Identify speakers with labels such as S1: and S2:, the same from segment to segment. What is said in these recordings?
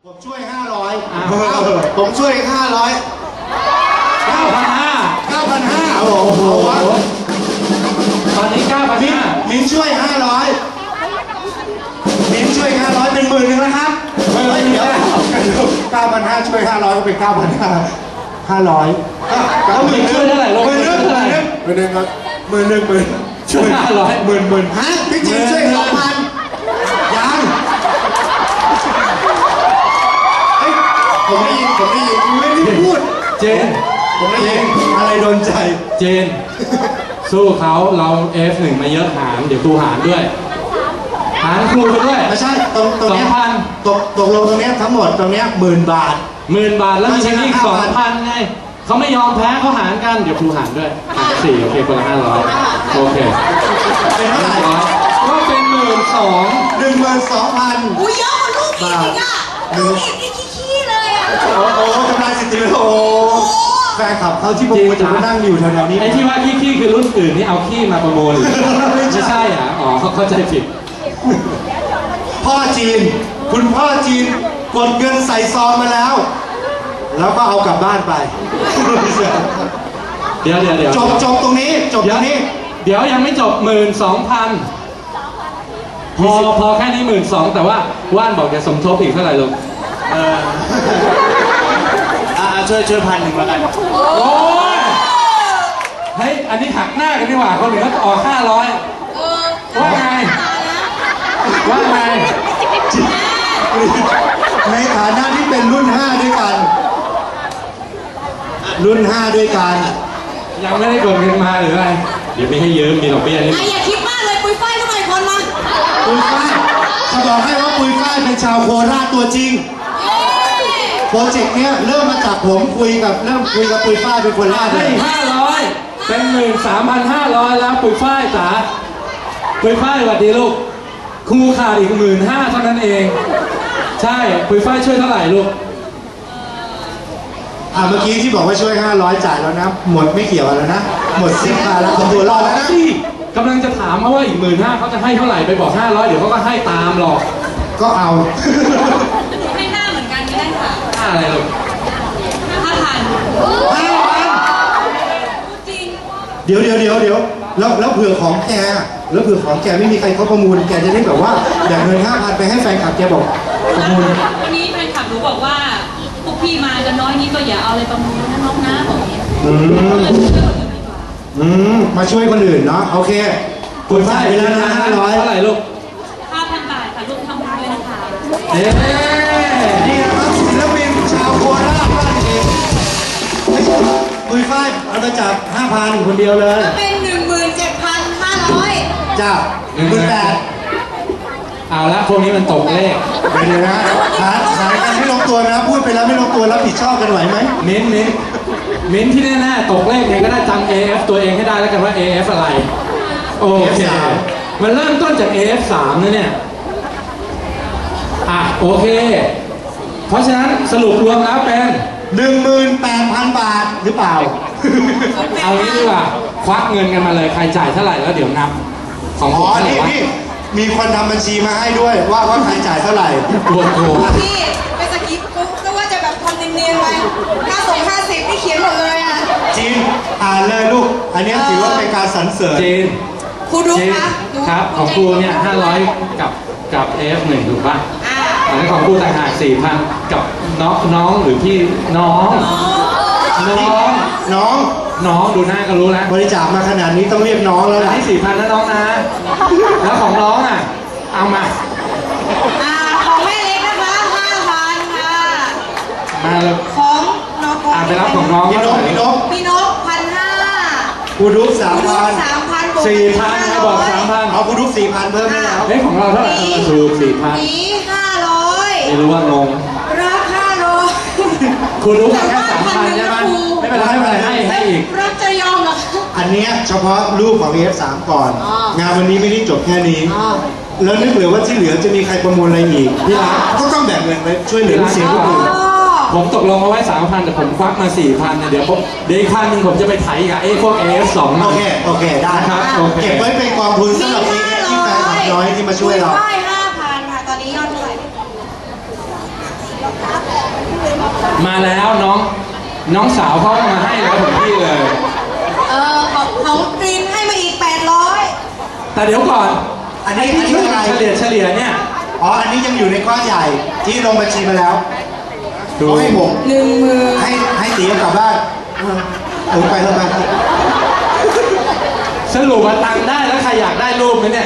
S1: ผมช่วย500ผมช่วย500 9,500 โอ้โห
S2: ตอนนี้9,500
S1: มิ้นช่วย500มิ้นช่วย500เป็น10,000แล้วครับเดี๋ยว9,500ช่วย500ก็เป็น9,500
S2: แล้วมิ้นช่วยเท่าไหร่ลง
S1: 10,000ครับ10,000
S2: ช่วย500
S1: 10,000ฮะพี่จีนช่วย 2,000ยังผมได้ยินไม่ได้พูด
S2: เจน
S1: ผมได้ยินอะไรโดนใจ
S2: เจนสู้เขาเรา F1 มาเยอะหารเดี๋ยวครูหารด้วยหารครูไปด้วย
S1: ไม่ใช่ตรงนี้ตกลงตรงนี้ทั้งหมดตรงนี้10,000 บาท
S2: 10,000 แล้วมีเทคนิค 2,000 ไงเขาไม่ยอมแพ้เขาหารกันเดี๋ยวครูหารด้วย4โอเคคนละ500โอเค
S1: เป็นเท่าไหร่
S2: ก็เป็น12,000
S1: 12,000
S3: อุ้ยเยอะกว่าลูกอีกอ่ะลูกอีกนี่ขี้เลยอ่ะ
S1: โอ้ทำลายสถิติโอ้แฟนคลับเขาที่ผมจะมานั่งอยู่แถวๆนี้
S2: ไอ้ที่ว่าขี้คือรุ่นอื่นนี่เอาขี้มาประมูลไม่ใช่อ่ะอ๋อเขาเข้าใจผิด
S1: พ่อจีนคุณพ่อจีนกดเงินใส่ซองมาแล้วก็เอากลับบ้านไป
S2: เดี๋ยว
S1: จบตรงนี้
S2: เดี๋ยวยังไม่จบ12,000พอแค่นี้12,000แต่ว่าว่านบอกจะสมทบอีกเท่าไหร่ลูก
S1: ช่วย1,000แล้วกัน
S2: โอ้ยเฮ้ยอันนี้หักหน้ากันดีกว่าคนอื่นเขาออก500ว่าไง
S1: ในฐานะที่เป็นรุ่น5ด้วยกัน
S2: ยังไม่ได้กดเงินมาหรืออะไรเดี๋ยวไม่ให้ยืมมีดอกเบี้ยนี่
S3: อย่าคิดมากเลยปุยฝ้ายทำไมคนมา
S1: ปุยฝ้ายจะบอกให้ว่าปุยฝ้ายเป็นชาวโคราชตัวจริงโปรเจกต์เนี้ยเริ่มมาจากผมคุยกับปุยฝ้ายเป็นคนแรกเลย
S2: 500เป็น13,500แล้วปุยฝ้ายจ๋าปุยฝ้ายสวัสดีลูกครูขาดอีก15,000เท่านั้นเองใช่ปุยฝ้ายช่วยเท่าไหร่ลูก
S1: เมื่อกี้ที่บอกว่าช่วย500จ่ายแล้วนะหมดไม่เกี่ยวแล้วนะหมดสิบาทแล้วตัวรอดแล้วนะ
S2: กำลังจะถามเขาว่าอีก15,000เขาจะให้เท่าไหร่ไปบอก500เดี๋ยวเขาก็ให้ตามหรอก
S1: ก็เอา
S3: ให้5เหมือนกันก็ได้ค่ะ
S2: 5อะไรลูก
S3: 5,000จริง
S1: เดี๋ยวแล้วเผื่อของแกไม่มีใครเขาประมูลแกจะได้แบบว่าแบ่งเงิน5,000ไปให้แฟนคลับแกบอกประมูล
S3: วันนี้แฟนคลับหนูบอกว่าพวกพี่มากันน้อยนี้ก็อย่าเอาอะไรประมูลนะน้องนะบอกอย่างนี้
S1: มาช่วยคนอื่นเนาะโอเคคุณจ่ายไปแล้วนะ500
S2: เท่าไหร่ลูก
S3: 5,000 บาทค่ะลูกทำบุญด้วยนะคะ
S1: นี่นะครับศิลปินชาวโคราชบ้านเองปุยฝ้ายเอาไปจับ 5,000 คนเดียวเลย
S3: เป็น 17,500
S1: จ้า18,000
S2: เอาละพวกนี้มันตกเลข
S1: ไปเลยนะหากันไม่ลงตัวนะพูดไปแล้วไม่ลงตัวรับผิดชอบกันไหวไหม
S2: มิ้นที่แน่ๆตกเลขเนี่ยก็ได้จำ AF ตัวเองให้ได้แล้วกันว่า AF อะไรโอเคมันเริ่มต้นจาก AF3 นะเนี่ยโอเคเพราะฉะนั้นสรุปรวมแล้วเป็น
S1: 18,000 บาทหรือเปล่า
S2: เอางี้ดีกว่าควักเงินกันมาเลยใครจ่ายเท่าไหร่แล้วเดี๋ยวนับของผมเท่าไหร่วะ
S1: มีคนทำบัญชีมาให้ด้วยว่าใครจ่ายเท่าไหร่
S2: โอ้โห
S3: พี่ไปสกิปก็ว่าจะแบบทำเนียนๆไป50นี่เขียนหมดเลยอ่ะ
S1: จีนอ่านเลยลูกอันนี้ถือว่าเป็นการสรรเสริญ
S2: จีน
S3: ครูดู
S2: ครับของครูเนี่ย500กับ F1 ถูกป่ะอันนี้ของครูต่างหาก 4,000 กับน้องหรือพี่น้องดูหน้าก็รู้แล้ว
S1: บริจาคมาขนาดนี้ต้องเรียกน้องแล้ว
S2: นะที่4,000นะน้องนะแล้วของน้องเอามา
S3: ของแม่เล็กนะคะ5,000ค่ะ
S2: มาเลย
S3: ของน้อง
S2: ไปรับของน้อง
S1: พี่นก
S3: 1,500
S1: กูดุ๊ก
S3: 3,000
S2: 4,000ให้บอก 3,000
S1: เอากูดุ๊ก 4,000 เพิ่มให้แล้ว
S2: ของเราเท่าไหร่ถูก 4,000
S3: นี้500
S2: ไม่รู้ว่างง
S3: รับ500
S2: คุณรู้แค่ 3,000 ใช่ไหมไม่เป็นไรให้อีก
S3: รับจะยอมหรอ
S1: อันนี้เฉพาะรูปของ F3 ก่อนงานวันนี้ไม่ได้จบแค่นี้แล้วนึกเผื่อว่าที่เหลือจะมีใครประมูลอะไรอีกพี่รักก็ต้องแบ่งเงินไว้ช่วยเหลือลูกศิษย์ทุกคน
S2: ผมตกลงเอาไว้ 3,000 แต่ผมควักมา 4,000 เดี๋ยวอีก1,000 นึงผมจะไปไถกับพวก AF2
S1: โอเคได้
S2: ครับ
S1: เก็บไว้เป็นกองทุนสำหรับ AF ที่แฟนคลับน้อยที่มาช่วยเรา
S3: ได้ 5,000 ค่ะตอนนี้ยอดเท่าไหร่
S2: มาแล้วน้องสาวเขามาให้แล้วถึงที่เลย
S3: ของกรีนให้มาอีก800
S2: แต่เดี๋ยวก่อน
S1: อันนี้
S2: ที่ช่วย
S1: อะไร
S2: เฉลี่ยเนี่ย
S1: อ๋ออันนี้ยังอยู่ในก้อนใหญ่ที่ลงบัญชีมาแล้วเขาให้ผม
S3: 10,000
S1: ให้ตีกลับบ้านไปแล้วไป
S2: สรุปว่าตังค์ได้แล้วใครอยากได้รูปไหมเนี่ย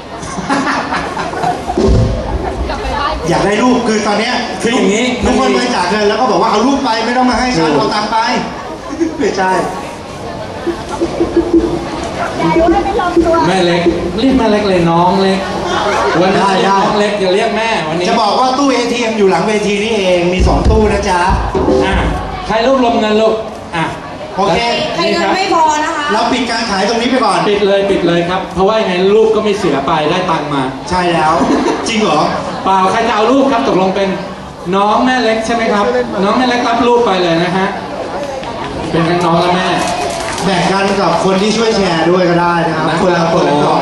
S1: อยากได้รูปคือตอนเนี้ย
S2: คืออย่างนี้
S1: ทุกคนบริจาคเงินแล้วก็บอกว่าเอารูปไปไม่ต้องมาให้ฉันเอาตังค์ไปไม่ใช่
S2: แม่เล็กเรียกแม่เล็กเลยน้องเล็กวันนี้เรียกน้องเล็กอย่าเรียกแม่วันนี้
S1: จะบอกว่าตู้ ATM อยู่หลังเวทีนี่เองมี2ตู้นะจ๊ะ
S2: ใครรวบรวมเงินลูก
S1: โอเค
S3: ใครเงินไม่พอนะคะ
S1: เราปิดการขายตรงนี้ไปก่อน
S2: ปิดเลยครับเพราะว่ายังไงรูปก็ไม่เสียไปได้ตังค์มา
S1: ใช่แล้ว จริงเหรอ
S2: เปล่าใครจะเอารูปครับตกลงเป็นน้องแม่เล็กใช่ไหมครับ น้องแม่เล็กรับรูปไปเลยนะฮะเป็นทั้งน้องและแม่
S1: แบ่งกันกับคนที่ช่วยแชร์ด้วยก็ได้นะครับคนละกล่อง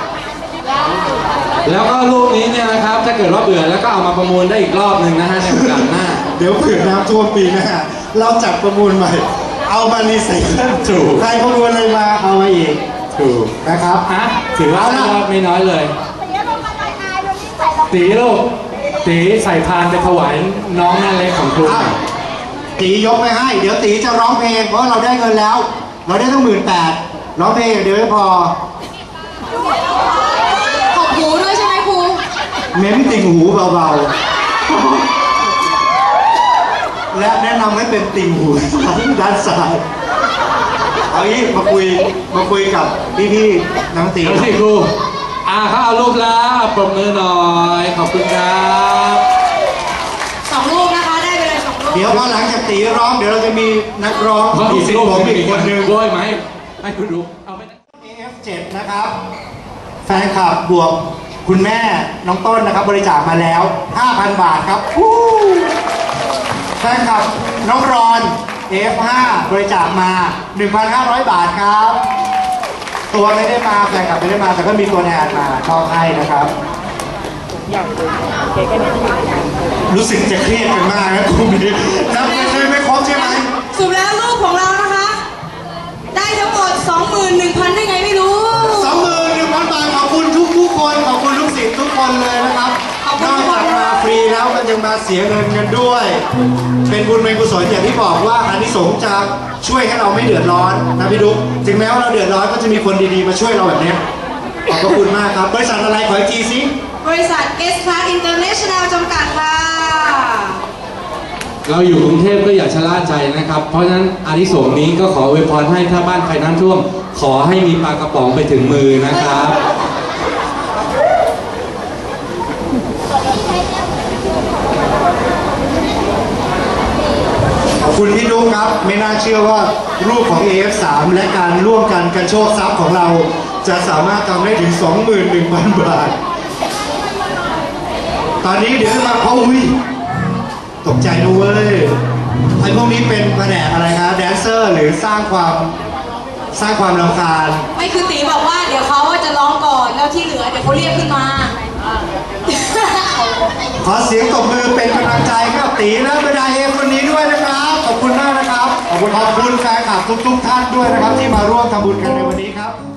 S2: แล้วก็รูปนี้เนี่ยนะครับถ้าเกิดว่าเบื่อแล้วก็เอามาประมูลได้อีกรอบหนึ่งนะฮะในโอกาสหน้า
S1: เดี๋ยวเผื่อน้ำท่วมปีหน้าเราจัดประมูลใหม่เอามารีไซเคิล
S2: ถูก
S1: ใครประมูลอะไรมาเอามาอีก
S2: ถูก
S1: นะครับ
S2: ถือว่าได้ยอดไม่น้อยเลยตีลูกตีใส่พานไปถวายน้องแม่เล็กของครู
S1: ตียกไปให้เดี๋ยวตีจะร้องเพลงเพราะเราได้เงินแล้ว เราได้ตั้ง18,000ร้องเพลงเดี๋ยวไม่พอ
S3: ขอบหูด้วยใช่ไหมครู
S1: เม้มติ่งหูเบาๆและแนะนำให้เป็นติ่งหูด้านซ้ายเอางี้มาคุยกับพี่ๆน้องตี
S2: เอาสิครูเขาเอารูปแล้วปรบมือหน่อยขอบคุณครับ
S3: 2 รูปนะคะได้ไปเลย2 รูป
S1: เดี๋ยวพอหลังจากตีร้องเดี๋ยวเราจะมีนักร้อง
S2: เพราะ
S1: มี
S2: อีก
S1: สิบ
S2: รูป
S1: ผม
S2: ไม่
S1: อี
S2: มี
S1: กคนนึง
S2: โดยไหมให้คุณดูเอาไป
S1: AF7 นะครับ แฟนคลับบวกคุณแม่น้องต้นนะครับบริจาคมาแล้ว 5,000 บาทครับแฟนคลับน้องรอน AF5 บริจาคมา 1,500 บาทครับ ตัวไม่ได้มาแฟนคลับไม่ได้มาแต่ก็มีตัวแทนมาชอบให้นะครับ รู้สึกจะเครียดกันมากนะคุณพี่นับเงินไม่ครบใช่ไหม
S3: สรุปแล้วรูปของเรานะคะ ได้ทั้งหมด 21,000 ได้ไงไม่รู้
S1: 21,000 บาทขอบคุณทุกคนขอบคุณลูกศิษย์ทุกคนเลยนะครับนอกจากมาฟรีแล้วมันยังมาเสียเงินกันด้วย เป็นบุญเป็นกุศลอย่างที่บอกว่าอานิสงส์จะช่วยให้เราไม่เดือดร้อนนะพี่ดุ๊กถึงแม้ว่าเราเดือดร้อนก็จะมีคนดีๆมาช่วยเราแบบนี้ขอบคุณมากครับบริษัทอะไรขออีกทีสิ
S3: บริษัท S Class International จำกัดค่ะ
S2: เราอยู่กรุงเทพก็อย่าชะล่าใจนะครับ เพราะฉะนั้นอานิสงส์นี้ก็ขออวยพรให้ถ้าบ้านใครน้ำท่วม ขอให้มีปลากระป๋องไปถึงมือนะครับ
S1: ขอบคุณพี่ดุ๊กครับไม่น่าเชื่อว่ารูปของ AF3 และการร่วมกันโชคทรัพย์ของเราจะสามารถทำได้ถึง 21,000 บาทตอนนี้เดี๋ยวมาอุ้ยตกใจด้วยไอ้พวกนี้เป็นแผนกอะไรครับแดนเซอร์หรือสร้างความรำคาญ
S3: ไม่คือตีบอกว่าเดี๋ยวเขาจะร้องก่อนแล้วที่เหลือเดี๋ยวเขาเรียกขึ้นมา
S1: ขอเสียงตบมือเป็นกำลังใจให้กับตีและบรรดาเอฟคนนี้ด้วยนะครับขอบคุณมากนะครับขอบคุณแฟนคลับทุกท่านด้วยนะครับที่มาร่วมทำบุญกันในวันนี้ครับ